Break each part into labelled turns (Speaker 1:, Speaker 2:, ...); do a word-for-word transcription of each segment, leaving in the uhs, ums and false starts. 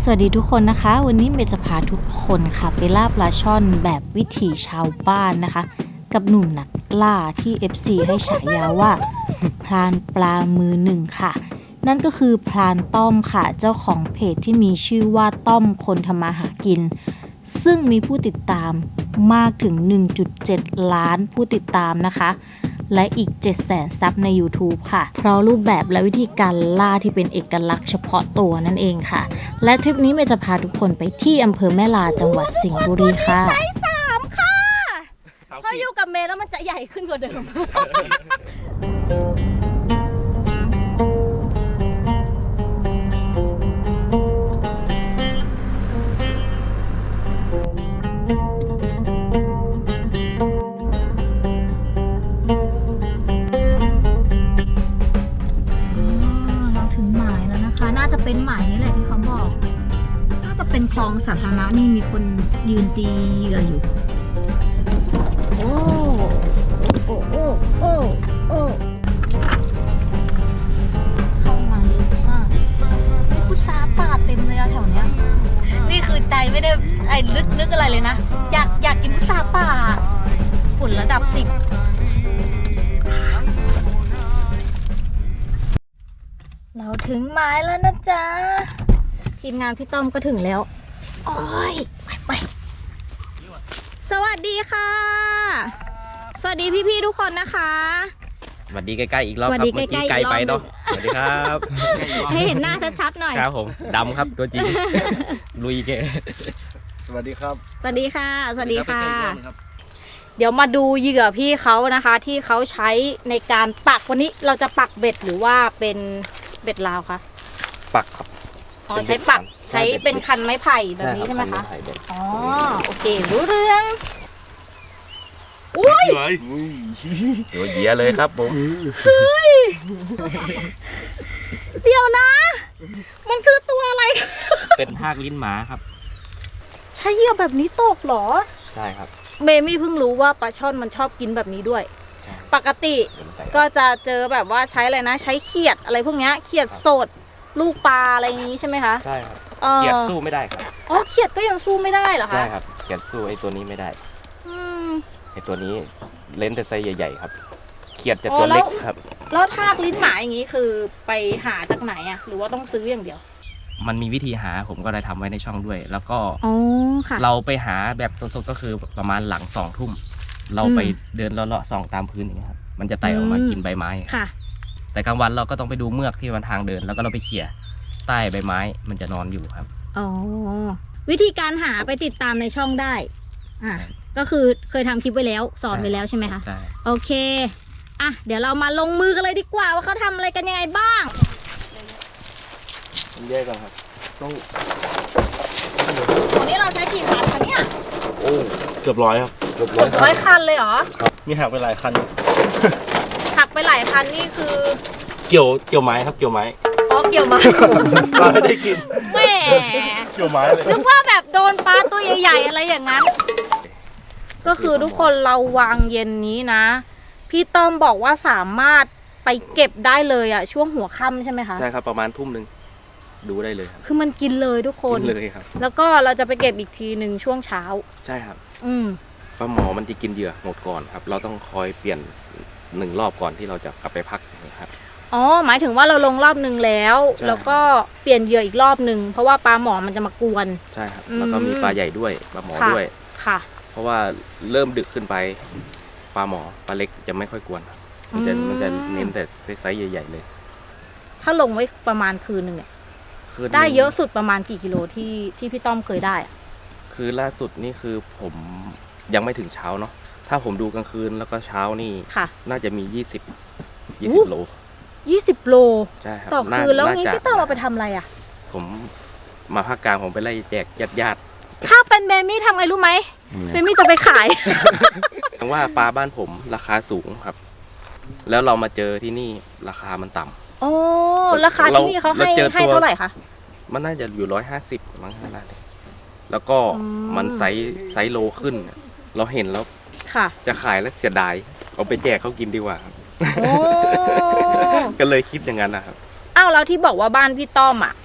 Speaker 1: สวัสดีทุกคนนะคะวันนี้เมย์จะพาทุกคนค่ะไปล่าปลาช่อนแบบวิถีชาวบ้านนะคะกับหนุ่มนักล่าที่ เอฟ ซี ให้ฉายาว่าพรานปลามือหนึ่งค่ะนั่นก็คือพรานต้อมค่ะเจ้าของเพจที่มีชื่อว่าต้อมคนทำมาหากินซึ่งมีผู้ติดตามมากถึง หนึ่งจุดเจ็ด ล้านผู้ติดตามนะคะและอีก เจ็ดแสน ซับใน YouTube ค่ะเพราะรูปแบบและวิธีการล่าที่เป็นเอกลักษณ์เฉพาะตัวนั่นเองค่ะและทริปนี้เมย์จะพาทุกคนไปที่อำเภอแม่ลาจังหวัดสิงห์บุรีค่ะไซส์สามค่ะพออยู่กับเมย์แล้วมันจะใหญ่ขึ้นกว่าเดิม เป็นหมายนี้แหละที่เขาบอกน่าจะเป็นคลองสาธารณะนี่มีคนยืนตีเหยื่ออยู่โอ้โอ้โอ้โอ้โอ้เข้ามาลึกมากผู้ชาป่าเต็มเลยอะแถวเนี้ยนี่คือใจไม่ได้ไอ้ลึกนึกอะไรเลยนะอยากอยากกินผู้ชาป่าฝุ่นระดับสิบเราถึงไม้แล้วนะจ๊ะทีมงานพี่ต้อมก็ถึงแล้วโอ้ยไปไปสวัสดีค่ะสวัสดีพี่ๆทุกคนนะคะ
Speaker 2: สวัสดีใกล้ๆอีกรอบครับเมื่อกี้ไกลไปเนาะสวัสดีครับ
Speaker 1: ให้เห็นหน้าชัดๆหน่อย
Speaker 2: ครับผมดำครับตัวจริงลุยเก
Speaker 3: สวัสดีครับ
Speaker 1: สวัสดีค่ะสวัสดีค่ะเดี๋ยวมาดูเหยื่อพี่เขานะคะที่เขาใช้ในการปักวันนี้เราจะปักเบ็ดหรือว่าเป็นเบ็ดลาวคะ
Speaker 2: ปักครับ
Speaker 1: อ๋อใช้ปักใช้เป็นคันไม้ไผ่แบบนี้ใช่ไหมคะอ๋อโอเครู้เรื่องอุ้ย
Speaker 2: ตัวเหยียเลยครับผม
Speaker 1: เฮ้ยเดี๋ยวนะมันคือตัวอะไร
Speaker 2: เป็นทากลิ้นหมาครับ
Speaker 1: ใช้เหยื่อแบบนี้ตกหรอ
Speaker 2: ใช่ครับ
Speaker 1: เมมี่เพิ่งรู้ว่าปลาช่อนมันชอบกินแบบนี้ด้วยปกติก็จะเจอแบบว่าใช้อะไรนะใช้เขียดอะไรพวกนี้เขียดสดลูกปลาอะไรอย่างนี้ใช่ไหมคะ
Speaker 2: ใช่ครับเขียดสู้ไม่ได้ครับ
Speaker 1: อ๋อเขียดก็ยังสู้ไม่ได้เหรอคะ
Speaker 2: ใช่ครับเขียดสู้ไอ้ตัวนี้ไม่ได้
Speaker 1: อืม
Speaker 2: ไอ้ตัวนี้เล่นแต่ไซส์ใหญ่ๆครับเขียดจะตัวเล็กครับ
Speaker 1: แล้วทากลิ้นหมาอย่างนี้คือไปหาจากไหนอะหรือว่าต้องซื้ออย่างเดียว
Speaker 2: มันมีวิธีหาผมก็ได้ทำไว้ในช่องด้วยแล้วก็
Speaker 1: ค่ะ
Speaker 2: เราไปหาแบบสดๆก็คือประมาณหลังสองทุ่มเราไปเดินเลาะๆส่องตามพื้นอย่างนี้ครับมันจะไต่ออกมากินใบไม้
Speaker 1: ค่ะ
Speaker 2: แต่กลางวันเราก็ต้องไปดูเมือกที่มันทางเดินแล้วก็เราไปเขี่ยใต้ใบไม้มันจะนอนอยู่ครับ
Speaker 1: อ๋อวิธีการหาไปติดตามในช่องได้อ่ะก็คือเคยทำคลิปไว้แล้วสอนไว้แล้วใช่ไหมคะ
Speaker 2: ใช่
Speaker 1: โอเคอ่ะเดี๋ยวเรามาลงมือกันเลยดีกว่าว่าเขาทำอะไรกันยังไงบ้าง
Speaker 2: แยกกันครับต้อง
Speaker 1: วันนี้เราใช้กี่คันคะเนี่ย
Speaker 2: โอ้เกือบร้อยครับ
Speaker 1: เกือบร้อยร้อยคันเลยเหรอ
Speaker 2: ครับมีหักไปหลายคัน
Speaker 1: หักไปหลายคันนี่คือ
Speaker 2: เกี่ยวเกี่ยวไม้ครับเกี่ยวไม้
Speaker 1: อ๋อเกี่ยวไม้
Speaker 2: ปลาไม่ได้กิน
Speaker 1: แม่
Speaker 2: เกี่ยวไม้เลย
Speaker 1: นึกว่าแบบโดนปลาตัวใหญ่ๆอะไรอย่างนั้นก็คือทุกคนเราวางเย็นนี้นะพี่ต้อมบอกว่าสามารถไปเก็บได้เลยอ่ะช่วงหัวค่ำใช่ไหมคะ
Speaker 2: ใช่ครับประมาณทุ่มหนึ่งดูได้เลยครับ
Speaker 1: คือมันกินเลยทุกคน
Speaker 2: กินเลยครับ
Speaker 1: แล้วก็เราจะไปเก็บอีกทีหนึ่งช่วงเช้า
Speaker 2: ใช่ครับ
Speaker 1: อืม
Speaker 2: ปลาหมอมันจะกินเหยื่อหมดก่อนครับเราต้องคอยเปลี่ยนหนึ่งรอบก่อนที่เราจะกลับไปพักนะครับ
Speaker 1: อ๋อหมายถึงว่าเราลงรอบหนึ่งแล้วแล้วก็เปลี่ยนเหยื่ออีกรอบหนึ่งเพราะว่าปลาหมอมันจะมากวน
Speaker 2: ใช่ครับแล้วก็มีปลาใหญ่ด้วยปลาหมอด้วย
Speaker 1: ค่ะ
Speaker 2: เพราะว่าเริ่มดึกขึ้นไปปลาหมอปลาเล็กจะไม่ค่อยกวนมันจะมันจะเน้นแต่ไซส์ใหญ่ๆเลย
Speaker 1: ถ้าลงไว้ประมาณคืนหนึ่งเนี่ยได้เยอะสุดประมาณกี่กิโลที่ที่พี่ต้อมเคยได้อะ
Speaker 2: คือล่าสุดนี่คือผมยังไม่ถึงเช้าเนาะถ้าผมดูกลางคืนแล้วก็เช้านี่น่าจะมียี่สิบยี่สิบโล
Speaker 1: ยี่สิบโล
Speaker 2: ใช่ครับ
Speaker 1: ต่อคืนแล้วงี้พี่ต้อมเอาไปทำอะไรอ่ะ
Speaker 2: ผมมาภาคกลางผมไปไล่แจกญาติญาติ
Speaker 1: ถ้าเป็นเบมี่ทำไงรู้ไหมเบมี่จะไปขาย
Speaker 2: ถึงว่าปลาบ้านผมราคาสูงครับแล้วเรามาเจอที่นี่ราคามันต่ำ
Speaker 1: โอ้ราคาที่นี่เขาให้ให้เท่าไหร่คะ
Speaker 2: มันน่าจะอยู่ร้อยห้าสิบมั้งขนาดนี้แล้วก็มันไซส์ไซส์โลขึ้นเราเห็นแล้วจะขายแล้วเสียดายเอาไปแจกเขากินดีกว่าครับก็เลยคิดอย่างนั้นนะครับ
Speaker 1: อ้าวแล้วที่บอกว่าบ้านพี่ต้อมอ่ะ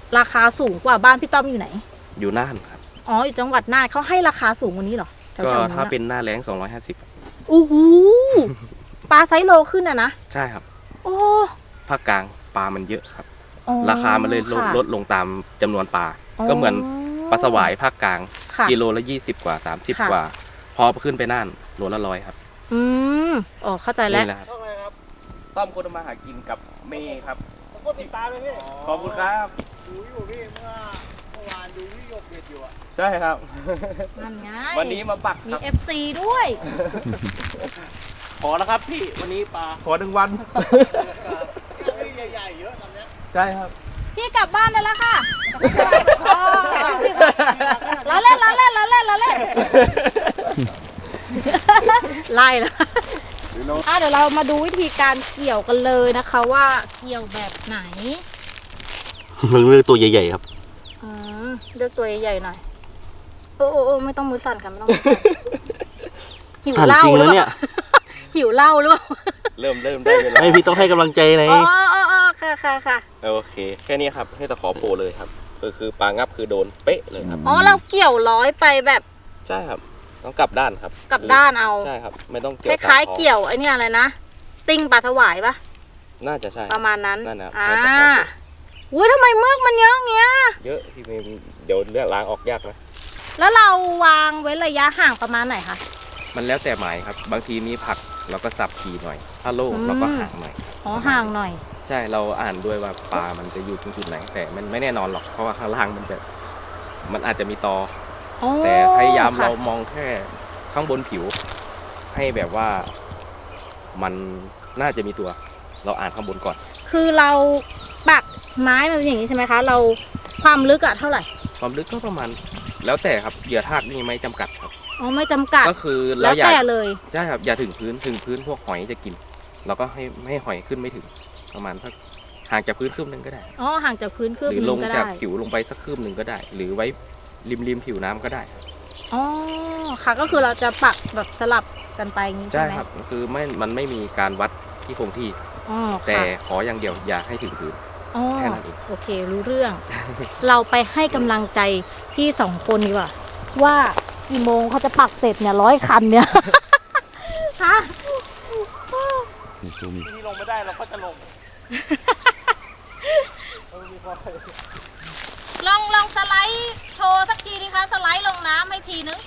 Speaker 1: ราคาสูงกว่าบ้านพี่ต้อมอยู่ไหน
Speaker 2: อยู่น่านครับ
Speaker 1: อ๋ออยู่จังหวัดน่านเขาให้ราคาสูงกว่านี้เหรอแถวๆ
Speaker 2: ก็
Speaker 1: นั้น
Speaker 2: ถ้า
Speaker 1: อะ
Speaker 2: เป็นหน้าแล้งสองร้อยห้าสิบ
Speaker 1: โอ้โหปลาไซส์โลขึ้นอะนะ
Speaker 2: ใช่ครับ
Speaker 1: โอ้
Speaker 2: ภาคกลางปลามันเยอะครับ
Speaker 1: อ๋อ
Speaker 2: ราคามันเลยลด
Speaker 1: ค่ะ
Speaker 2: ลดลงตามจำนวนปลา
Speaker 1: อ๋อ
Speaker 2: ก็เหมือนปลาสวายภาคกลาง
Speaker 1: ค่ะ
Speaker 2: กิโลละยี่สิบกว่าสามสิบ
Speaker 1: ค่ะ
Speaker 2: กว่า พอขึ้นไปน่านโลละร้อยครับ
Speaker 1: อืมอ๋อเข้าใจแล้ว
Speaker 2: นี่แหละครับต้อมคนมาหากินกับเมย์ครับติดตามเลยพี่ขอบคุณครับ
Speaker 3: ดูอยู่พี่เมื่อเมื่อวานดูพี่หยกเด็ดอยู่อ่ะ
Speaker 2: ใช่ครับ
Speaker 1: นั่นไง
Speaker 2: วันนี้มาปัก
Speaker 1: มี
Speaker 2: ครับ
Speaker 1: เอฟซีด้วย
Speaker 2: ขอแล้วครับพี่วันนี้ปลาขอหนึ่งวัน
Speaker 3: พี่ใหญ่ๆเยอะตอนเนี้ย
Speaker 2: ใช่ครับ
Speaker 1: พี่กลับบ้านได้แล้วค่ะอ๋อล้อเล่นล้อเล่นล้อเล่นล้อเล่นไล่แล้วอ่ะเดี๋ยวเรามาดูวิธีการเกี่ยวกันเลยนะคะว่าเกี่ยวแบบไหน
Speaker 4: มันเลือกตัวใหญ่ๆครับ
Speaker 1: อืมเลือกตัวใหญ่ๆหน่อยโอ้โอ้โอ้ไม่ต้องมือสั่นค่ะไม่ต้องมือสั่นหิว
Speaker 4: สั่น
Speaker 1: เหล้า
Speaker 4: จริง
Speaker 1: หรือ
Speaker 4: นะ
Speaker 1: เป
Speaker 4: เนี่
Speaker 1: ล่าย หิวเหล้าหรือเปล่า
Speaker 2: เริ่มเริ่มได้เวลา
Speaker 4: ไม่พี่ต้องให้กำลังใจไหน
Speaker 1: อ๋ออ๋ออ๋อค่ะค่ะค่ะ
Speaker 2: โอเค แค่นี้ครับให้ตะขอโผล่เลยครับก็คือปลางับคือโดนเป๊ะเลยครับ
Speaker 1: อ๋อเราเกี่ยวร้อยไปแบบ
Speaker 2: ใช่ครับต้องกลับด้านครับ
Speaker 1: กลับด้านเอา
Speaker 2: ใช่ครับ ไม่ต้อง
Speaker 1: ค
Speaker 2: เกี่ยว
Speaker 1: ล้าย
Speaker 2: ตม
Speaker 1: ๆเกี่ยวไอ้เนี่ยอะไรนะติ้งปลาถวายปะ
Speaker 2: น่าจะใช่
Speaker 1: ประมาณนั้น
Speaker 2: นั่นนะครับ
Speaker 1: อ่า
Speaker 2: ให้ตะขอโผล่
Speaker 1: อุ้ยทำไมเมือกมันเยอะอย่างเงี้ย
Speaker 2: เยอะพี่เมย์เดี๋ยวเลือกล้างออกยากนะ
Speaker 1: แล้วเราวางไว้ระยะห่างประมาณไหนคะ
Speaker 2: มันแล้วแต่หมายครับ บางทีมีผักเราก็สับทีหน่อย ถ้าโล่ง
Speaker 1: อืม
Speaker 2: เราก็ห่างหน่อย
Speaker 1: อ๋อห่างหน่อย
Speaker 2: ใช่เราอ่านด้วยว่าปลามันจะอยู่ตรงจุดไหน แต่มันไม่แน่นอนหรอกเพราะว่าข้างล่างมันจะมันอาจจะมีตอ
Speaker 1: อ๋อ
Speaker 2: แต่พยายาม
Speaker 1: ค่ะ
Speaker 2: เรามองแค่ข้างบนผิว ให้แบบว่ามันน่าจะมีตัว เราอ่านข้างบนก่อน
Speaker 1: คือเราปักไม้มันเป็นอย่างนี้ใช่ไหมคะ เราความลึกอะเท่าไหร่
Speaker 2: ความลึกก็ประมาณ แล้วแต่ครับเหยื่อทากนี่ไม่จำกัดครับ
Speaker 1: อ๋อไม่จำกัด
Speaker 2: ก็คือ
Speaker 1: แล้
Speaker 2: เรา
Speaker 1: ว
Speaker 2: อย่า
Speaker 1: แต่เลย
Speaker 2: ใช่ครับอย่าถึงพื้นถึงพื้นพวกหอยจะกิน เราก็ให้ไม่ให้หอยขึ้นไม่ถึงประมาณสักห่างจากพื้นคืบหนึ่งก็ได้
Speaker 1: อ๋อห่างจากพื้นคืบ
Speaker 2: หรือ
Speaker 1: นึ
Speaker 2: ล
Speaker 1: ง
Speaker 2: ง
Speaker 1: ก็
Speaker 2: จาก
Speaker 1: ได้
Speaker 2: ผิวลงไปสักคืบหนึ่งก็ได้ หรือไว้ริมริมผิวน้ำก็ได้ครับ
Speaker 1: อ๋อค่ะก็คือเราจะปักแบบสลับกันไปอย่างนี้
Speaker 2: ใช่
Speaker 1: ใช่ไหม
Speaker 2: ครับคือไม่มันไม่มีการวัดที่คงที่
Speaker 1: อ๋อ
Speaker 2: แต่
Speaker 1: ค่ะ
Speaker 2: ขออย่างเดียวอย่าให้ถึงพื้น
Speaker 1: อ๋อ
Speaker 2: แค่นั้นเอง
Speaker 1: โอเครู้เรื่อง เราไปให้กำลังใจพี่สองคนดีกว่าว่ากี่โมงเขาจะปักเสร็จเนี่ยร้อยคันเนี่ย ฮะ
Speaker 2: ที่ลงไม่ได้เราก็จะลง
Speaker 1: ลองลองสไลด์โชว์สักทีดิคะสไลด์ลงน้ำให้ทีนึง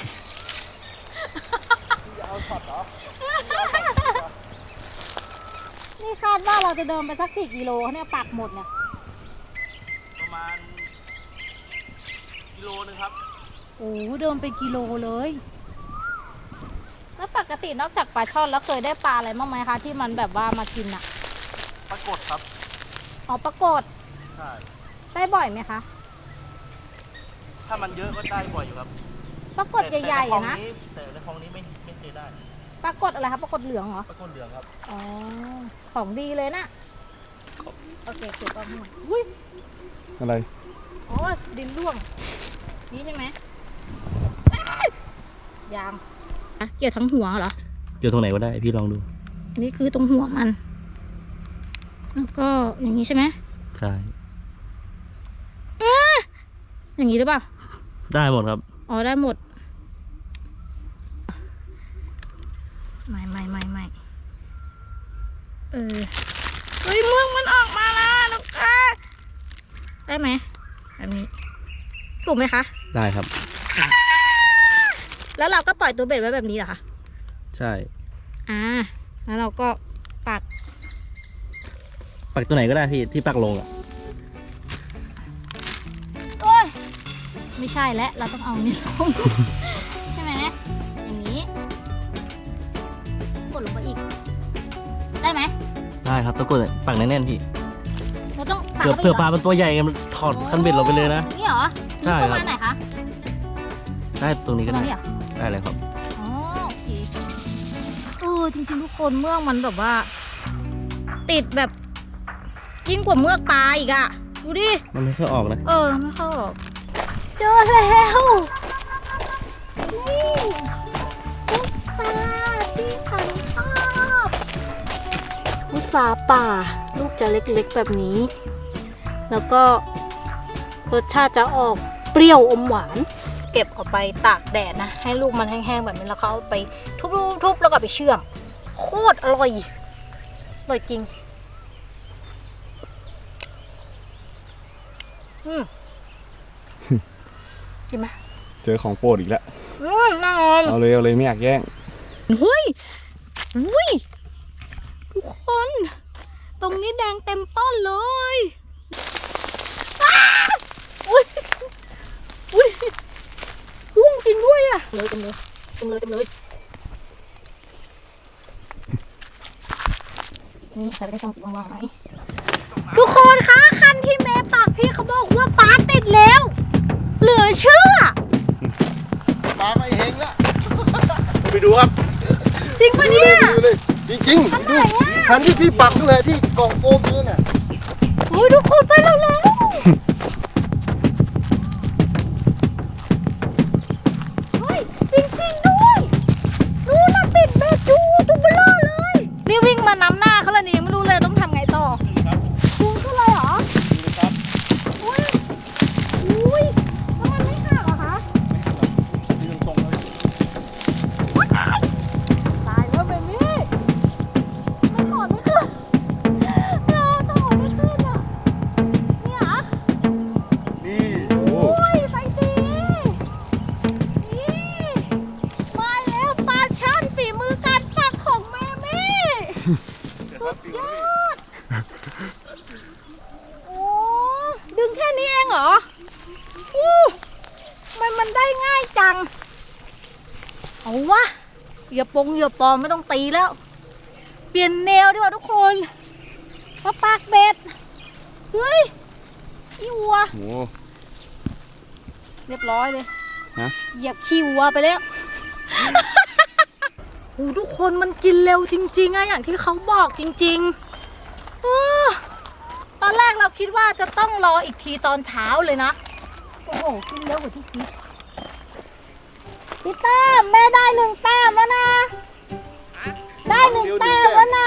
Speaker 1: นี่คาดว่าเราจะเดินไปสักสี่กิโลเนี่ยปักหมดเนี่ย
Speaker 2: ประมาณกิโลนึงครับ
Speaker 1: โอ้เดินไปกิโลเลย แล้วปกตินอกจากปลาช่อนแล้วเคยได้ปลาอะไรบ้างไหมคะที่มันแบบว่ามากินอะ
Speaker 2: ปรากฏครับ
Speaker 1: อ๋อปรากฏ
Speaker 2: ใช่
Speaker 1: ได้บ่อยไหมคะ
Speaker 2: ถ้ามันเยอะก็ได้บ่อยอยู่ครับ
Speaker 1: ปรากฏใหญ่ๆอะนะ
Speaker 2: แต่ในคลองนี้ไม่ไม่เคยได้
Speaker 1: ปรากฏอะไรคะปรากฏเหลืองเหรอ
Speaker 2: ปรากฏเหลืองครับ
Speaker 1: อ๋อของดีเลยนะโอเคเก็บเอาหมดอุ้ย
Speaker 3: อะไร
Speaker 1: อ๋อดินร่วงนี่ใช่ไหมยางอ่ะเกี่ยวทั้งหัวเหรอ
Speaker 4: เจอตรงไหนก็ได้พี่ลองดู
Speaker 1: อันนี้คือตรงหัวมันแล้วก็อย่างนี้ใช่ไหม
Speaker 4: ใช่
Speaker 1: อย่างนี้หรือเปล่า
Speaker 4: ได้หมดครับ
Speaker 1: อ๋อได้หมดไม่ไม่ไม่ไม่เออเฮ้ยเมืองมันออกมาแล้วลูกค้าได้ไหมแบบนี้ถูกไหมคะ
Speaker 4: ได้ครับ
Speaker 1: แล้วเราก็ปล่อยตัวเบ็ดไว้แบบนี้เหรอคะ
Speaker 4: ใช่
Speaker 1: อ่าแล้วเราก็ปัก
Speaker 4: ปักตัวไหนก็ได้พี่ที่ปักลงอ่ะ
Speaker 1: โอ้ยไม่ใช่แล้วเราต้องเอานี่ลง ใช่ไหมอย่างนี้กดลงไปอีก ได้ไหม
Speaker 4: ได้ครับต้องกดปักแน่นๆพี่
Speaker 1: เราต้องปัก
Speaker 4: เผื่อ
Speaker 1: ข้าไป
Speaker 4: เผื่อปลา
Speaker 1: อีกหร
Speaker 4: เป็นตัวใหญ่ไงมันถอดคันเบ็ดเราไปเลยนะ
Speaker 1: นี่เหรอ
Speaker 4: ใช่
Speaker 1: นี่ประ
Speaker 4: ครับ
Speaker 1: มาณไหนคะ
Speaker 4: ได้ตรงนี้
Speaker 1: ป
Speaker 4: ก็
Speaker 1: ระมา
Speaker 4: ได้
Speaker 1: ณนี้เหรอ
Speaker 4: ได้เลยครับ
Speaker 1: อ๋อโอเคเออจริงๆทุกคนเมือกมันแบบว่า ติดแบบยิ่งกว่าเมือกปลาอีกอะดูดิ
Speaker 4: มันไม่ค่อยออกนะ
Speaker 1: เออไม่เข้าออกเจอแล้วนี่ลูกค้าที่ฉันชอบมุสาป่า ลูกจะเล็กๆแบบนี้ แล้วก็รสชาติจะออกเปรี้ยวอมหวาน เก็บเอาไปตากแดดนะให้ลูกมันแห้งๆแบบนี้แล้วเขาเอาไปทุบๆๆแล้วก็ไปเชื่อมโคตรอร่อยอร่อยจริงอืมกินไหม
Speaker 3: เจอของโปรดอีกแล้ว
Speaker 1: อืมแน่นอน
Speaker 3: เอาเลยเอาเลยไม่อยากแย่ง
Speaker 1: เฮ้ยอุ้ยทุกคน ตรงนี้แดงเต็มต้นเลยอ้าอุ้ยอุ้ยพุ่งจริงด้วยอ่ะเลยเต็มเลยเต็มเลยเต็มเลยนี่ใครไม่ได้ชมวางๆไหมทุกคนคะคันที่เมย์ปากพี่เขาบอกว่าปลาติดแล้ว เหลือเชื่อ
Speaker 3: ปลาไม่เฮงละไปดูครับ
Speaker 1: จริงปะเนี่ย
Speaker 3: ดูเลยจริงจริงๆดูคันที่พี่ปักนั่นแหละที่กล่องโฟมนั่นน่ะ
Speaker 1: โอ้ยทุกคนไปแล้วแล้วเฮ้ยจริงจริงด้วยนู่นน่ะติดเบ็ดอยู่ตัวเบลอเลยนี่วิ่งมานำหน้าเขาแล้วนี่ยังไม่รู้เลยต้องทำไงต่อดูเท่าไรเหรออุ้ยอุ้ยแล้วมันไม่หักเหรอคะตายแล้วเบบี้ไม่ถอดไม่ขึ้นเราถอดไม่ขึ้นอ่ะเนี่ยเหรอ
Speaker 3: นี่โอ้
Speaker 1: โอ้ยไปสินี่มาแล้วปลาช่อนฝีมือการปักของแม่แม่สุดยอดโอ้ดึงแค่นี้เองเหรออู้มันมันได้ง่ายจังเอาวะอย่าปงอย่าปลอมไม่ต้องตีแล้ว เปลี่ยนแนวดีกว่าทุกคนมาปากเบ็ดเฮ้ยอีวัว
Speaker 3: โห
Speaker 1: เรียบร้อยเลย
Speaker 3: ฮะ
Speaker 1: เหยียบขี้วัวไปแล้ว โอ้ทุกคนมันกินเร็วจริงๆอะอย่างที่เขาบอกจริงๆเออตอนแรกเราคิดว่าจะต้องรออีกทีตอนเช้าเลยนะ โอ้โห กินเร็วกว่าที่คิดพี่แต้มแม่ได้หนึ่งแต้มแล้วนะ ได้หนึ่งแต้มแล้วนะ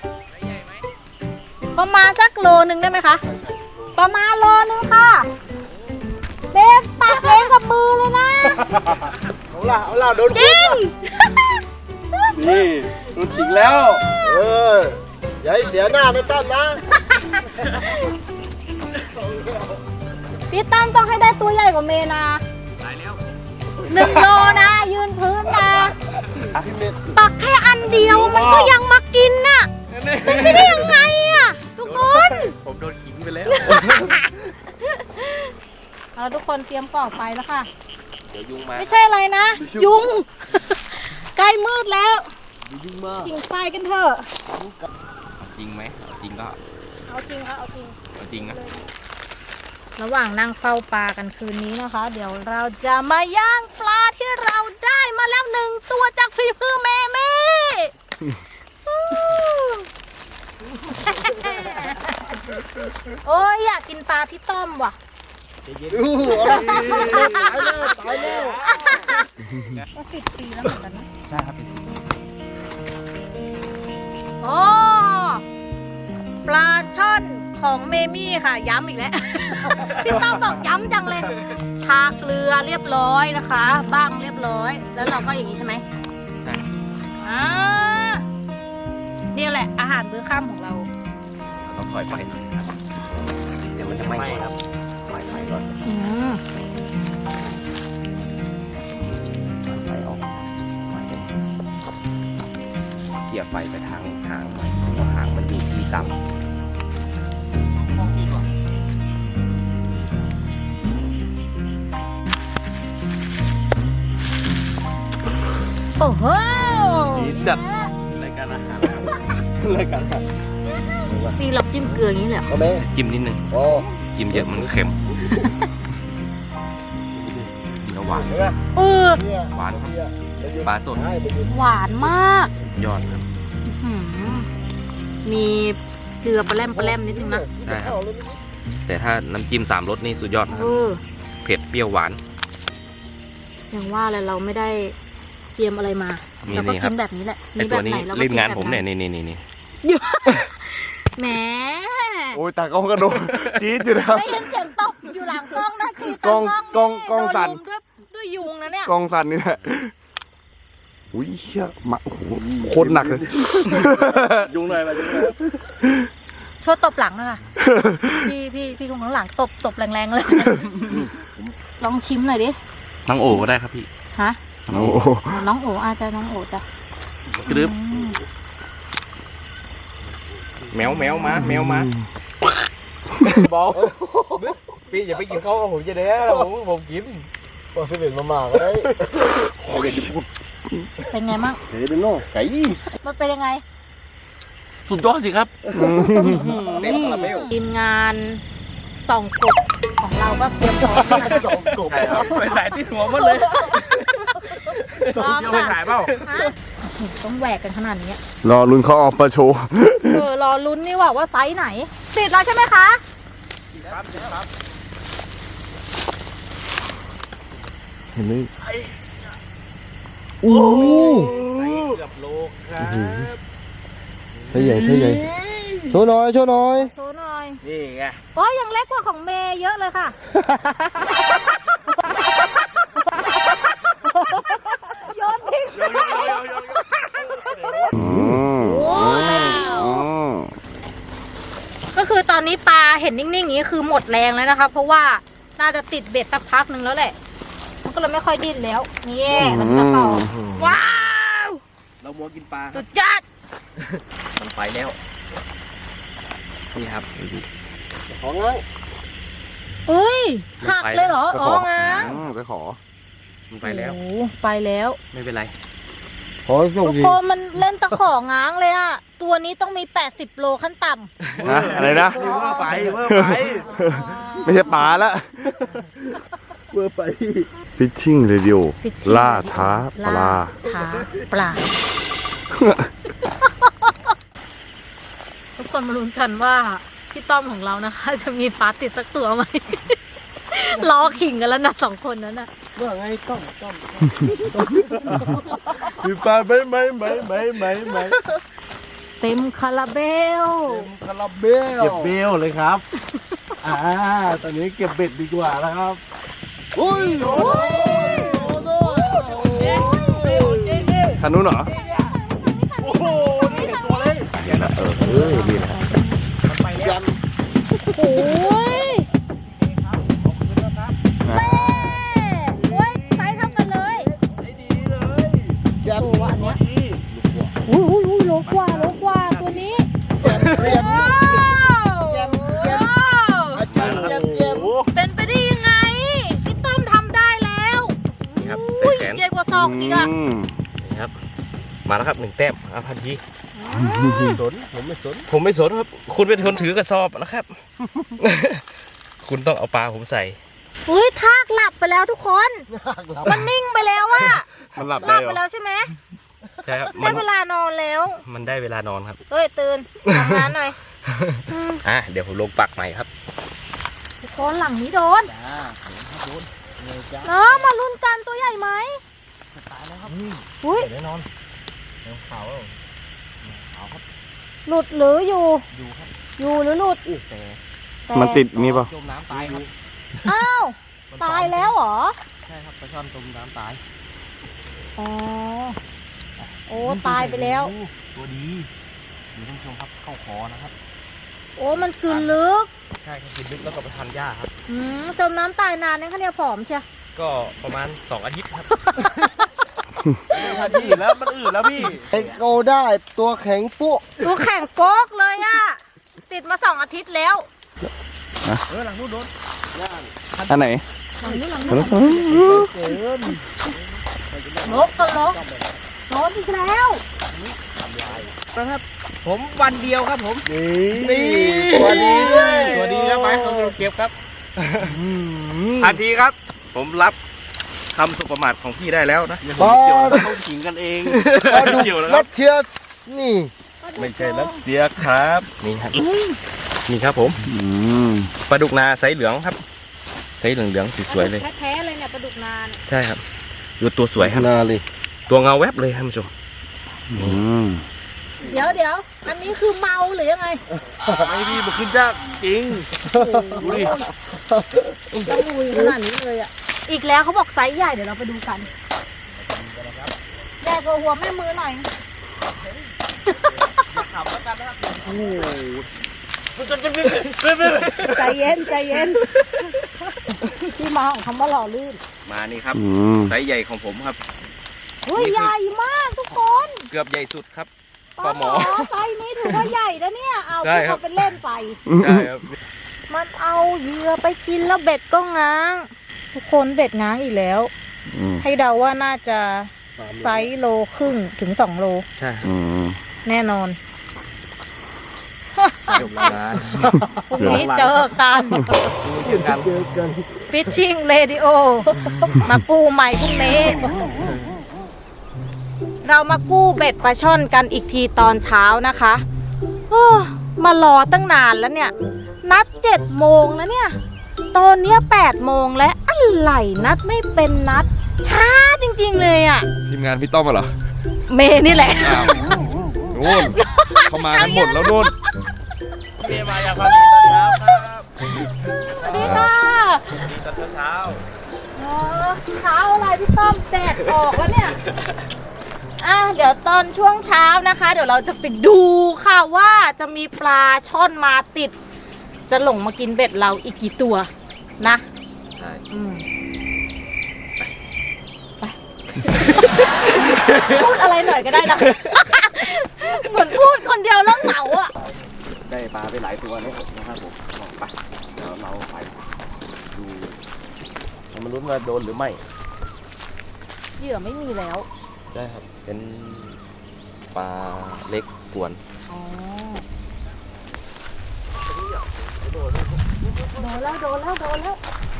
Speaker 1: ประมาณสักโลหนึ่งได้ไหมคะ ประมาณโลนึงค่ะเบฟปักเองกับมือเลยนะ
Speaker 3: เอาล่ะเอาล่ะโดน
Speaker 1: จริง
Speaker 2: นี่โดนขิงแล้ว
Speaker 3: เอออย่าให้เสียหน้าในตั้มนะ
Speaker 1: พี่ตั้มต้องให้ได้ตัวใหญ่กว่าเมนาหนึ่งโลนะ ยืนพื้นนะ
Speaker 3: พี่เมธ
Speaker 1: ปักแค่อันเดียวมันก็ยังมากินน่ะเป็นไปได้ยังไงอ่ะ ทุกคน
Speaker 2: ผมโดนขิงไปแล้ว
Speaker 1: เอาทุกคนเตรียมก่อไฟแล้วค่ะ
Speaker 2: เดี๋ยวยุงมา
Speaker 1: ไม่ใช่อะไรนะ ยุง ใกล้มืดแล้ว
Speaker 3: ยิงมา
Speaker 1: จิงไฟกันเถอะ
Speaker 2: จริงไหมเอาจริงก็
Speaker 1: เอาจริงค่ะเอาจริง
Speaker 2: เอาจริงนะ
Speaker 1: ระหว่างนั่งเฝ้าปลากันคืนนี้นะคะ เดี๋ยวเราจะมาย่างปลาที่เราได้มาแล้วหนึ่งตัวจากฝีมือแม่แม่ โอ้ยอยากกินปลาพี่ต้อมว่ะ
Speaker 3: ดูเอาล่ะตายแล้วตายแล้ว
Speaker 1: ก็สิบปีแล้วเหมือนกันนะ
Speaker 2: ใช่ครับเป็น
Speaker 1: โอ้ปลาช่อนของเมมี่ค่ะ ย้ำอีกแล้ว พี่ต้อมบอกย้ำจังเลยทาเกลือเรียบร้อยนะคะบ้างเรียบร้อย แล้วเราก็อย่างนี้ใช่ไหม
Speaker 2: ใช่
Speaker 1: อ่านี่แหละอาหารมื้อค่ำของเรา
Speaker 2: ต้องคอยไฟหน่อยครับ
Speaker 3: เดี๋ยวมันจะไหม้
Speaker 2: ไม่ครับ
Speaker 3: ไฟไฟก่อน
Speaker 1: อืม
Speaker 3: ไฟออก
Speaker 2: เกี่ยวไฟไปทางหางหน่อยเพราะหางมันอยู่ที่ต่ำ
Speaker 1: โอ้โห
Speaker 2: จัดรายการอาหารรายการอาหาร
Speaker 1: นี่เราจิ้มเกลืออย่างนี้เลยเหรอ
Speaker 3: เอาไหม
Speaker 2: จิ้มนิดนึง
Speaker 3: โอ้
Speaker 2: จิ้มเยอะมันเค็มเนื้อหวาน
Speaker 1: เออ
Speaker 3: เนี่ย
Speaker 2: หวานครับปลาสด
Speaker 1: หวานมาก
Speaker 2: ยอดครับ
Speaker 1: อื้อหือมีเกลือปลาแรมปลาแรมนิดนึงนะ
Speaker 2: ใช่ครับ แต่ถ้าน้ำจิ้มสามรสนี่สุดยอดนะค
Speaker 1: เอ
Speaker 2: รับ
Speaker 1: อ
Speaker 2: เผ็ดเปรี้ยวหวาน
Speaker 1: อย่างว่าเลยเราไม่ได้เตรียมอะไรมา
Speaker 2: นี่
Speaker 1: เราก็
Speaker 2: นี่ครั
Speaker 1: กิ
Speaker 2: บ
Speaker 1: นแบบนี้แหละ
Speaker 2: ไอตัวนี้
Speaker 1: มีแบบไหราก็
Speaker 2: เล่นงาน
Speaker 1: กิ
Speaker 2: ผม
Speaker 1: แบบ
Speaker 2: เนี่ยนี่นี่นี่นี่
Speaker 1: แหม
Speaker 3: โอ้ยตากล้องกระโดดจี๊ดอยู่นะครับ
Speaker 1: ได้ยินเสียงตบอยู่หลังกล้องนะคือก
Speaker 3: ล้อง
Speaker 1: ตากล้อง
Speaker 3: กล้องสั่น
Speaker 1: โดลุมด้วยด้วยยุงนะเนี่ย
Speaker 3: กล้องสั่นนี่แหละอุ้ยเหี้ยมาโอ้โหโคตรหนักเลย
Speaker 4: ยุงหน่อยมายุงหน่อย
Speaker 1: ช่วยตบหลังหนะคะพี่พี่พี่คนข้างหลังตบตบแรงๆเลย ลองชิมหน่อยดิ
Speaker 4: น้องโอ๋ก็ได้ครับพี่
Speaker 1: ฮะ
Speaker 3: โอ้โห
Speaker 1: น้องโออาจจะน้องโอจ้ะ
Speaker 4: กระดึบ
Speaker 1: อืม
Speaker 2: แมวแมวมาแมวมา
Speaker 3: บอกพี่อย่าไปกินข้าวผมจะได้แล้วผมผมกินบอกสิบเอ็ดมามาก็ได้
Speaker 1: เป็นไงมั่ง
Speaker 3: เฮ้ยเป็นโน่ไก่
Speaker 1: มันเป็นยังไง
Speaker 4: สุดยอดสิครับ
Speaker 2: เต็มคาราเบล
Speaker 1: ทีมงานส่องกบของเราก็เตรียมพร้อมแล้วนะ
Speaker 3: สองกบ
Speaker 4: ไปสายที่หัวหมดเลย
Speaker 1: พร้อม
Speaker 4: ไป
Speaker 1: ค่ะ
Speaker 4: ถ่ายเปล่า
Speaker 1: ฮะต้องแหวกกันขนาดนี้
Speaker 3: รอลุ้นเขาออกมาโชว์
Speaker 1: เออรอลุ้นนี่ว่าว่าไซส์ไหนติดแล้วใช่ไหมคะ
Speaker 3: เห็นไหมโอ้
Speaker 4: เกือบโลครับ
Speaker 3: ใช่ใหญ่ใช่ใหญ่โชว์หน่อยโชว์หน่อย
Speaker 1: โชว์หน่อย
Speaker 4: นี่ไง
Speaker 1: โอ้ยยังเล็กกว่าของเมย์เยอะเลยค่ะโยนทิ้ง
Speaker 3: อืม
Speaker 1: โอ้ก็คือตอนนี้ปลาเห็นนิ่งๆอย่างนี้คือหมดแรงแล้วนะคะ เพราะว่าน่าจะติดเบ็ดสักพักหนึ่งแล้วแหละมันก็เลยไม่ค่อยดิ้นแล้วนี่แล้วมันจะต่อว้าว
Speaker 4: เรามัวกินปลา
Speaker 1: สุดจัด
Speaker 2: มันไปแล้วนี่ครับ
Speaker 3: ของงั้น
Speaker 1: เอ้ยหักเลยเหรออ๋อง้าง
Speaker 3: ไปขอ
Speaker 2: มันไปแล้ว
Speaker 1: โอ้ไปแล้ว
Speaker 2: ไม่เป็นไร
Speaker 3: ขอส่ง
Speaker 1: ทุก
Speaker 3: ดี
Speaker 1: คนมันเล่นตะของง้างเลยอะตัวนี้ต้องมีแปดสิบโลขั้นต่ำ
Speaker 3: นะอะไรนะ
Speaker 4: เวอร์ไปเวอร์ไป
Speaker 3: ไม่ใช่ปลาละ
Speaker 4: เวอร์ไป
Speaker 3: ฟิชชิ่งเรดิโอ
Speaker 1: Fishing
Speaker 3: ล่าท้าปลา
Speaker 1: ท้าปลา ทุกคนมาลุ้นกันว่าพี่ต้อมของเรานะคะ จะมีปลาติดสักตัวไหม รอขิงกันแล้วนะสองคนนั้นน่ะ
Speaker 3: ว่าไงต้องต้องมีปลาไหมไหมไหมไหมไหมไหม
Speaker 1: เต็มคาราเบล
Speaker 3: คาราเบล
Speaker 4: เก็บเบลเลยครับ อ่า ตอนนี้เก็บเบ็ดดีกว่านะครับ
Speaker 3: อุ้ยโอ้ยคันนู้นเหรอ
Speaker 4: โอ้โห นี่ตัวเล็ก
Speaker 3: เนี่ยนะเออเออดีนะ
Speaker 4: ไปแล้ว
Speaker 1: โอ้ยแม่โอ้ยไซส์เท่ากันเลย
Speaker 4: ได้ดีเลย
Speaker 1: ตัวอันเนี้ย
Speaker 4: ดี
Speaker 1: อุ้ยอุ้ยอุ้ยโลกว่าโลกว่าตัวนี้
Speaker 3: เรียบ
Speaker 1: ว้าว
Speaker 3: เยี่ยมเยี่ยม
Speaker 1: ว้าว
Speaker 3: อาจารย์เยี่ยมเยี่ยม
Speaker 4: โอ้โห
Speaker 1: เป็นไปได้ยังไงพี่ต้อมทำได้แล้ว
Speaker 2: นี่ครับ
Speaker 1: อุ้ย
Speaker 2: ใส่แขน
Speaker 1: ใหญ่กว่าซองอีกอะ
Speaker 2: นี่ครับ มาแล้วครับหนึ่งแต้มอาพันที
Speaker 3: สนผมไม่สน
Speaker 2: ผมไม่สนครับ คุณเป็นคนถือกระสอบนะครับ คุณต้องเอาปลาผมใส่
Speaker 1: อุ้ยทากหลับไปแล้วทุกคน มันนิ่งไปแล้วอะ
Speaker 3: มันหลับ
Speaker 1: ห
Speaker 3: ได้
Speaker 1: ลับ
Speaker 3: เหร
Speaker 1: ไป
Speaker 3: อ
Speaker 1: แล้วใช่ไหม
Speaker 2: ใช่ครับ
Speaker 1: ได้
Speaker 2: มัน
Speaker 1: เวลานอนแล้ว
Speaker 2: มันได้เวลานอนครับ
Speaker 1: เฮ้ยตื่นทำงานหน่อยอืม
Speaker 2: อ่ะเดี๋ยวผมลงปักใหม่ครับ
Speaker 1: ทุกคนหลังนี้โดนน้องมาลุ้นกันตัวใหญ่ไหมอุ้ย
Speaker 4: แน่นอน
Speaker 1: หลุดหรืออยู่ อยู่หรือหลุดแต่
Speaker 3: มันติดนี่ป่ะ
Speaker 2: จมน้ำตายครับ
Speaker 1: อ้าว ตายแล้วเหรอ
Speaker 2: ใช่ครับปลาช่อนจมน้ำตาย
Speaker 1: อ๋อ โอ้ตายไปแล้ว
Speaker 2: ตัวดีนี่ท่านผู้ชมครับเข้าคอนะครับ
Speaker 1: โอ้มันกลืนลึก
Speaker 2: ใช่ครับกินลึกแล้วก็ไปทานหญ้าครับ
Speaker 1: อืมจมน้ำตายนานนะคะเนี่ยผอมเชีย
Speaker 2: ก็ประมาณสองอาทิตย์ครับ
Speaker 4: ทันทีแล้วมันอืดแล้วพี่
Speaker 3: ไอโกได้ตัวแข็งปุ๊
Speaker 1: ตัวแข่งโป๊กเลยอะติดมาสองอาทิตย์แล้ว
Speaker 4: เออหลังนู้นโดน
Speaker 3: อันไหน
Speaker 1: หลังนี้หลังนี้ลกก็ลกโดนอีกแล้ว
Speaker 2: นะครับ ผมวันเดียวครับผม
Speaker 3: นี่
Speaker 2: ตัวดีด้วยตัวดีครับไปผมเก็บครับทันทีครับ ผมรับคำสุประมาทของพี่ได้แล้วนะ
Speaker 3: ปลา
Speaker 4: เขาขิงกันเอง
Speaker 3: ปลาดุกรัสเชียนี่
Speaker 2: ไม่ใช่รัสเซียครับนี่ครับนี่ครับผม
Speaker 3: อืม
Speaker 2: ปลาดุกนาไซส์เหลืองครับไซส์เหลืองๆสวยๆเลย
Speaker 1: แท้ๆเลยเนี่ยปลาดุกนาน
Speaker 2: ใช่ครับดูตัวสวยครับ
Speaker 3: นาเลย
Speaker 2: ตัวเงาแวบเลยท่านผู้ชม
Speaker 3: อืม
Speaker 1: เดี๋ยวเดี๋ยวอันนี้คือเมาหรือยังไง
Speaker 4: ไม่ดีมันขึ้นยากจริงดูดิ
Speaker 1: ต้องลุยขนาดนี้เลยอ่ะอีกแล้วเขาบอกไซส์ใหญ่เดี๋ยวเราไปดูกันใหญ่กว่าหัวแม่มือหน่อย
Speaker 4: โอ้โห
Speaker 1: ใจเย็นใจเย็นที่มาของคำว่าหล่อลื่น
Speaker 2: มานี่ครับไซส์ใหญ่ของผมครับ
Speaker 1: เฮ้ยใหญ่มากทุกคน
Speaker 2: เกือบใหญ่สุดครับ
Speaker 1: ปลาหมอไซส์นี้ถือว่าใหญ่แล้วเนี่ยเอา
Speaker 2: ใช่
Speaker 1: พูด
Speaker 2: ครับ
Speaker 1: เขาเป็นเล่นไป
Speaker 2: ใช่ครับ
Speaker 1: มันเอาเหยื่อไปกินแล้วเบ็ดก็ง้าง ทุกคนเบ็ดง้างอีกแล้ว ให้เดาว่าน่าจะไซส์โลครึ่งถึงสองโล
Speaker 2: ใช่
Speaker 1: แน่นอน
Speaker 2: จบแล้วนะ
Speaker 1: พรุ่งนี้เจอกัน
Speaker 2: เจอกัน
Speaker 4: เจอกัน
Speaker 1: Fishing Radio มากู้ใหม่พรุ่งนี้ เรามากู้เบ็ดปลาช่อนกันอีกทีตอนเช้านะคะโอ้มารอตั้งนานแล้วเนี่ย นัดเจ็ดโมงแล้วเนี่ย ตอนเนี้ยแปดโมงแล้วอะไรนัดไม่เป็นนัด ช้าจริงๆเลยอ่ะ
Speaker 5: ทีมงานพี่ต้อมเหรอ
Speaker 1: เมนี่แหละ
Speaker 5: อ้าวนู่นเขามากันหมดแล้วนู่น
Speaker 3: เมียมาอย่างพอดีตอนเช้าครับ
Speaker 1: สวัสดีค่ะ
Speaker 3: ดีตอนเช้า
Speaker 1: อ๋อเช้าอะไรพี่ต้อมแดดออกแล้วเนี่ย อ่ะเดี๋ยวตอนช่วงเช้านะคะ เดี๋ยวเราจะไปดูค่ะว่าจะมีปลาช่อนมาติด จะหลงมากินเบ็ดเราอีกกี่ตัวนะ
Speaker 2: ใช่
Speaker 1: อืมไป พูดอะไรหน่อยก็ได้นะ เหมือนพูดคนเดียวแล้วเหงาอ่ะ
Speaker 2: ได้ปลาไปหลายตัวเลยนะครับผมไปเดี๋ยวเราไปดูเรามาลุ้นว่าโดนหรือไม่
Speaker 1: เหยื่อไม่มีแล้ว
Speaker 2: ใช่ครับ เป็นปลาเล็กกวน
Speaker 1: อ๋อ โดนแล้วโดนแล้วโดนแล้ว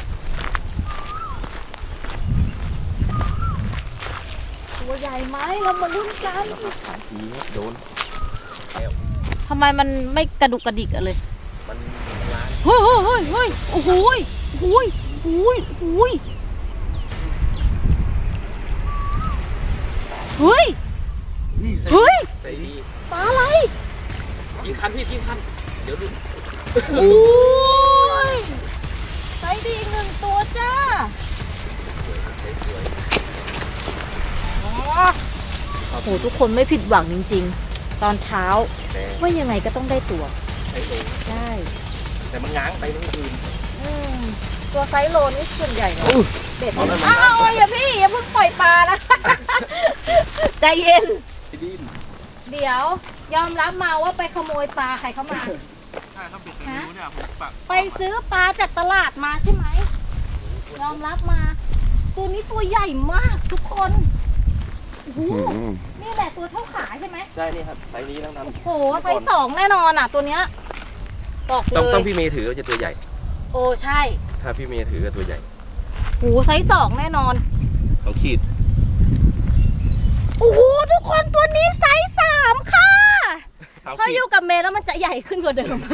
Speaker 1: ตัวใหญ่ไหมเรามาลุ้นกัน
Speaker 2: สามทีโดน
Speaker 1: ทำไมมันไม่กระดุกกระดิกอะเลย
Speaker 2: มันล้าน
Speaker 1: เฮ้ยเฮ้ยเฮ้ยเฮ้ยโอ้โหยโอ้โหยโอ้โหยโอ้โหยเฮ้ย เฮ้ย
Speaker 2: ใส่ดี
Speaker 1: ปลาอะไร
Speaker 2: ยิงคันพี่ยิงคัน เดี๋ยวดู
Speaker 1: โอ้ยไซส์ดีอีกหนึ่งตัวจ้าอ๋อโอ้โหทุกคนไม่ผิดหวังจริงๆ ตอนเช้า
Speaker 2: แต่
Speaker 1: ว่ายังไงก็ต้องได้ตัว
Speaker 2: ใช้โล
Speaker 1: ได้
Speaker 2: แต่มันง้างไปเมื่อคืน
Speaker 1: อืมตัวไซส์โลนี่ส่วนใหญ่นะเบ็ด
Speaker 2: เอาแล้วมัน
Speaker 1: อ้าวอย่าพี่อย่าเพิ่งปล่อยปลานะ ใจเย็น
Speaker 2: พี่ดิน
Speaker 1: เดี๋ยวยอมรับมาว่าไปขโมยปลาใครเข้ามา
Speaker 3: ใช่เขาปิดตรงนู้นเนี่ยผมปัก
Speaker 1: ไปซื้อปลาจากตลาดมาใช่ไหม ยอมรับมา ตัวนี้ตัวใหญ่มากทุกคนโอ้โหนี่แหละตัวเท่าขาใช่ไหม
Speaker 2: ใช่นี่ครับไซส์นี้ทั้งนั้น
Speaker 1: โอ้โหไซส์สองแน่นอนอ่ะ ตัวเนี้ยบอกเล
Speaker 2: ต้องต้อง
Speaker 1: ย
Speaker 2: พี่เมย์ถือจะตัวใหญ่
Speaker 1: โอ้ใช่
Speaker 2: ถ้าพี่เมย์ถือก็ตัวใหญ่
Speaker 1: โอ้โหไซส์สองแน่นอน
Speaker 2: ต้องขีด
Speaker 1: โอ้โหทุกคนตัวนี้ไซส์สามค่ะ
Speaker 2: ต้อง
Speaker 1: พอ
Speaker 2: ขี
Speaker 1: อ
Speaker 2: ด
Speaker 1: ยู่กับเมย์แล้วมันจะใหญ่ขึ้นกว่าเดิม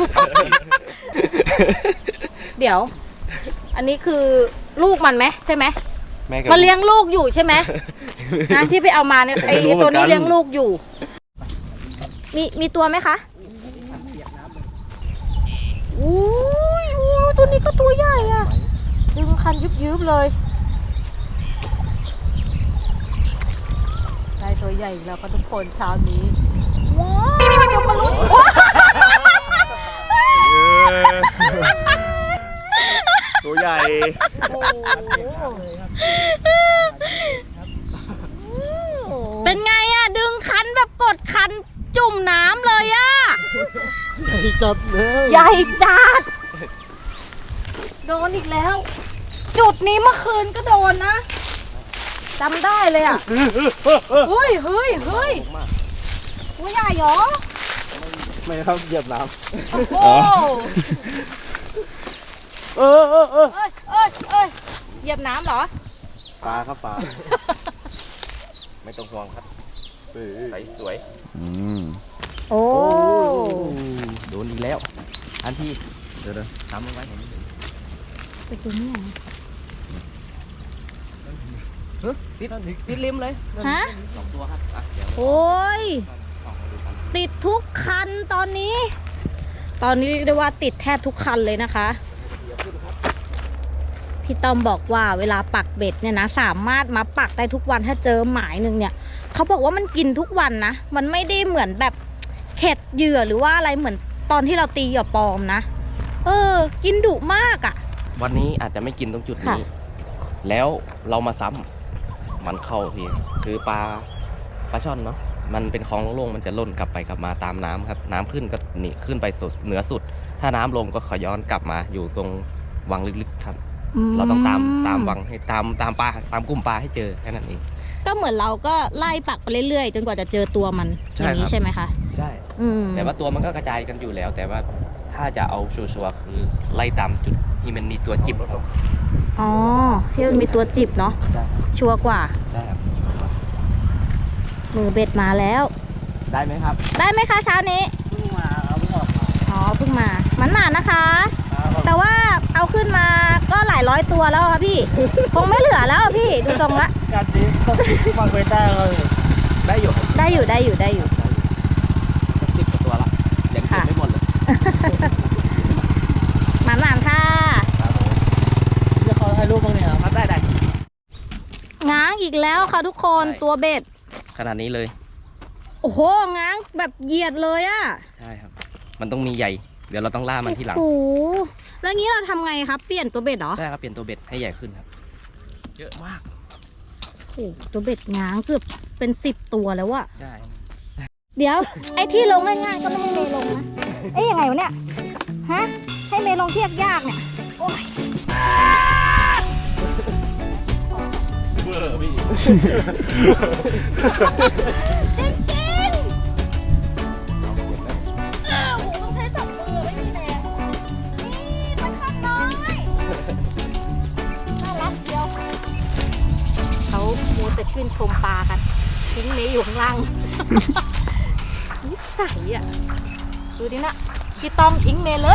Speaker 1: เดี๋ยว อันนี้คือลูกมันไหมใช่ไหม
Speaker 2: แม่กับ
Speaker 1: มาเลี้ยงลูกอยู่ใช่ไหม นะที่ไปเอามาเนี่ยไอ
Speaker 2: ไม่รู้
Speaker 1: ไอ้ตัวนี้
Speaker 2: เหมือนกัน
Speaker 1: เลี้ยงลูกอยู่ มีมีตัวไหมคะอุ้ยอู้ตัวนี้ก็ตัวใหญ่อะดึงคันยุบยุบๆเลยได้ตัวใหญ่อีกแล้วก็ทุกคนเช้านี้ว้าวเดี๋ยวมาลุ้น
Speaker 5: ตัวใหญ่
Speaker 1: เป็นไงอะดึงคันแบบกดคันจุ่มน้ำเลยอะ
Speaker 4: จับแล้ว
Speaker 1: ใหญ่จัด โดนอีกแล้ว จุดนี้เมื่อคืนก็โดนนะจำได้เลยอ่ะ เฮ้ยเฮ้ยเฮ้ยตัวใหญ่เหรอ
Speaker 4: ไม่ครับเหยียบน้
Speaker 1: โอ้โห
Speaker 4: ำเออเออเออ
Speaker 1: เอ้ยเอ้ยเอ้ยเหยียบน้ำเหรอ
Speaker 4: ปลาครับปลา
Speaker 2: ไม่ต้องห่วงครับใสสวย
Speaker 1: โอ้
Speaker 2: โดนอีกแล้ว อันที่เดี๋ยวๆทำเอาไว้
Speaker 1: ไปตัวนี้
Speaker 2: ติดติดริมเลย
Speaker 1: ฮะ
Speaker 2: สองตัวครับอ่ะเดี๋ยว
Speaker 1: โอ้ย
Speaker 2: ส่องมาดูกัน
Speaker 1: ติดทุกคันตอนนี้ ตอนนี้เรียกได้ว่าติดแทบทุกคันเลยนะคะพี่ต้อมบอกว่าเวลาปักเบ็ดเนี่ยนะสามารถมาปักได้ทุกวันถ้าเจอหมายหนึ่งเนี่ยเขาบอกว่ามันกินทุกวันนะมันไม่ได้เหมือนแบบเข็ดเหยื่อหรือว่าอะไรเหมือนตอนที่เราตีเหยื่อปลอมนะเออกินดุมากอะ่ะ
Speaker 2: วันนี้อาจจะไม่กินตรงจุด
Speaker 1: ค่ะ
Speaker 2: นี้ แล้วเรามาซ้ำมันเข้าทีคือปลาปลาช่อนเนาะมันเป็นคลองโล่งๆมันจะล่นกลับไปกลับมาตามน้ำครับน้ำขึ้นก็หนีขึ้นไปสุดเหนือสุด ถ้าน้ำลงก็ขย้อนกลับมาอยู่ตรงวังลึกๆครับ เราต้องตามตามวังให้ตามตามปลาตามกลุ่มปลาให้เจอแค่นั้นเอง
Speaker 1: ก็เหมือนเราก็ไล่ปักไปเรื่อยๆจนกว่าจะเจอตัวมันอ
Speaker 2: ใช่
Speaker 1: ย่างนี้
Speaker 2: ครับ
Speaker 1: ใช่ไหมคะ
Speaker 2: ใช่
Speaker 1: อืม
Speaker 2: แต่ว่าตัวมันก็กระจายกันอยู่แล้ว แต่ว่าถ้าจะเอาชัวร์ๆคือไล่ตามจุดที่มันมีตัวจิบครับ
Speaker 1: อ๋อที่มันมีตัวจิบเนาะ
Speaker 2: ใช่
Speaker 1: ชัวร์กว่า
Speaker 2: ใช่ครับ
Speaker 1: มือเบ็ดมาแล้ว
Speaker 2: ได้ไหมครับ
Speaker 1: ได้ไหมคะเช้านี้
Speaker 4: เพิ่งมาเอาเพิ่งออกมา
Speaker 1: อ๋อเพิ่งมามันหนานะคะ
Speaker 4: ครับ
Speaker 1: แต่ว่าเอาขึ้นมาก็หลายร้อยตัวแล้วค่ะพี่ คงไม่เหลือแล้วอะพี่ดูทรงละ
Speaker 4: การนี้ต้องฟังไปได้เลย
Speaker 2: ได้อยู่ครับ
Speaker 1: ได้อยู่ได้อยู่ได้อยู่
Speaker 2: สักสิบกว่าตัวละยังเก็บ
Speaker 1: ค่ะ
Speaker 2: ไม่หมดเลย
Speaker 1: หมานหนานค่ะ
Speaker 4: เดี๋ยวเขาให้รูปบ้างเนี่ยครับ
Speaker 2: ได้ได้
Speaker 1: ง้างอีกแล้วค่ะทุกคนตัวเบ็ด
Speaker 2: ขนาดนี้เลย
Speaker 1: โอ้โหง้างแบบเหยียดเลยอะ
Speaker 2: ใช่ครับ มันต้องมีใหญ่ เดี๋ยวเราต้องล่ามันที่หลัง
Speaker 1: โอ้โหแล้วงี้เราทำไงครับเปลี่ยนตัวเบ็ดเหรอ
Speaker 2: ใช่ครับเปลี่ยนตัวเบ็ดให้ใหญ่ขึ้นครับ เยอะมาก
Speaker 1: โอ้โหตัวเบ็ดง้างเกือบเป็นสิบตัวแล้วอะ
Speaker 2: ใช่
Speaker 1: เดี๋ยว ไอ้ที่ลงง่ายๆก็ไม่ให้เมย์ลงนะเอ๊ยยังไงวะเนี่ยฮะให้เมย์ลงที่ยากๆเนี่ยโอ้ย
Speaker 5: เบอร์พี่
Speaker 1: จริงๆอ้าวโหต้องใช้สองมือไม่มีแรงนี่ปลาช่อนน้อยน่ารักเดียวเขามัวแต่ชื่นชมปลากันทิ้งเมย์อยู่ข้างล่าง นิสัยอ่ะดูดินะพี่ต้อมทิ้งเมย์เลย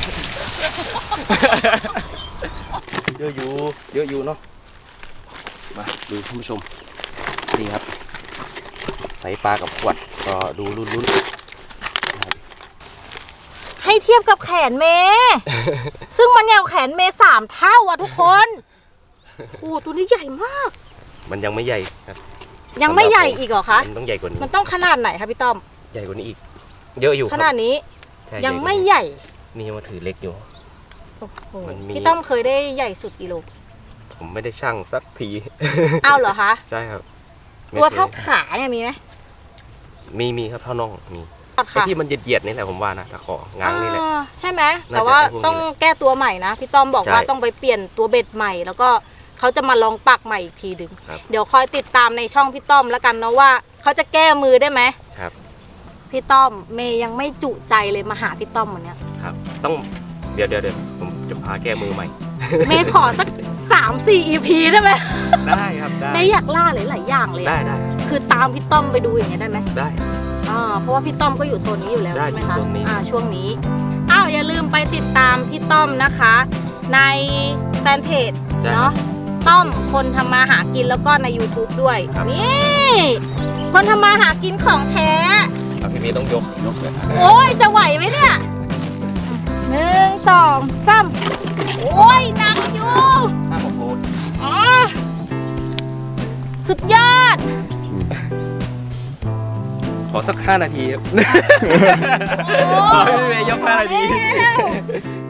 Speaker 2: เยอะอยู่ เยอะอยู่เนาะ มาดูท่านผู้ชม นี่ครับ ใส่ปลากับขวด ก็ดูลุ้น
Speaker 1: ให้เทียบกับแขนเมย์ ซึ่งมันใหญ่กว่าแขนเมย์สามเท่าอ่ะทุกคนโอ้โหตัวนี้ใหญ่มาก
Speaker 2: ๆมันยังไม่ใหญ่ครับ
Speaker 1: ยังไม่ใหญ่อีกเหรอคะ
Speaker 2: มันต้องใหญ่กว่านี้
Speaker 1: มันต้องขนาดไหนคะพี่ต้อม
Speaker 2: ใหญ่กว่านี้อีก เยอะอยู่
Speaker 1: ขนาดนี้
Speaker 2: ใช่
Speaker 1: ยังไม่
Speaker 2: ญ่กว่านี้
Speaker 1: ใหญ่
Speaker 2: นี่ยังมาถือเล็กอยู่
Speaker 1: โอ้โห
Speaker 2: มันมี
Speaker 1: พี่ต้อมเคยได้ใหญ่สุดกิโล
Speaker 2: ผมไม่ได้ชั่งสักที
Speaker 1: อ้าวเหรอคะ
Speaker 2: ใช่ครับ
Speaker 1: ตัวเท่าขาเนี่ยมีไหม
Speaker 2: มีมีครับเท่าน่องมี
Speaker 1: ตัด
Speaker 2: ไอ้
Speaker 1: ค่ะ
Speaker 2: ที่มันเหยียดๆนี่แหละผมว่านะตะของง้างนี่แหละ
Speaker 1: อ่าใช่ไหม
Speaker 2: น่าจะ
Speaker 1: แต่ว่า
Speaker 2: ไอ้พวกนี้
Speaker 1: ต้องแก้ตัวใหม่นะพี่ต้อมบอกว่า
Speaker 2: ใช่
Speaker 1: ต้องไปเปลี่ยนตัวเบ็ดใหม่ แล้วก็เขาจะมาลองปักใหม่อีกทีดึง
Speaker 2: ครับ
Speaker 1: เดี๋ยวคอยติดตามในช่องพี่ต้อมแล้วกันเนาะว่าเขาจะแก้มือได้ไหม
Speaker 2: ครับ
Speaker 1: พี่ต้อมเมย์ยังไม่จุใจเลยมาหาพี่ต้อมวันเนี้ย
Speaker 2: ครับ ต้องเดี๋ยวเดี๋ยวเดี๋ยวผมจะพาแก้มือใหม่
Speaker 1: เมย์ขอสักสามสี่ อี พี ได้ไหม
Speaker 2: ได้ครับได้
Speaker 1: เมย์อยากล่าหลายๆอย่างเลย
Speaker 2: ได้
Speaker 1: อะ
Speaker 2: ได้
Speaker 1: คือตามพี่ต้อมไปดูอย่างเงี้ยได้ไหม
Speaker 2: ได้
Speaker 1: อ่าเพราะว่าพี่ต้อมก็อยู่โซนนี้อยู่แล้ว
Speaker 2: ได้
Speaker 1: ใช่ไหมคะ
Speaker 2: อยู่โซนนี้
Speaker 1: อ่าช่วงนี้อ้าวอย่าลืมไปติดตามพี่ต้อมนะคะ ในแฟนเพจ
Speaker 2: ได้
Speaker 1: เนาะต้อมคนทำมาหากินแล้วก็ใน YouTube ด้วย
Speaker 2: ครับ
Speaker 1: นี่คนทำมาหากินของแท้
Speaker 2: เอาพี่เมย์ต้องยกยกเลย
Speaker 1: โอ้ยจะไหวไหมเนี่ยหนึ่งสองสามโอ้ยหนักอยู่
Speaker 2: ห้าหกโล
Speaker 1: อ๋อสุดยอด
Speaker 2: ขอสักห้านาทีครับ
Speaker 1: โอ้
Speaker 2: ขอให้พี่เมย์ยกห้านาที
Speaker 1: แล้ว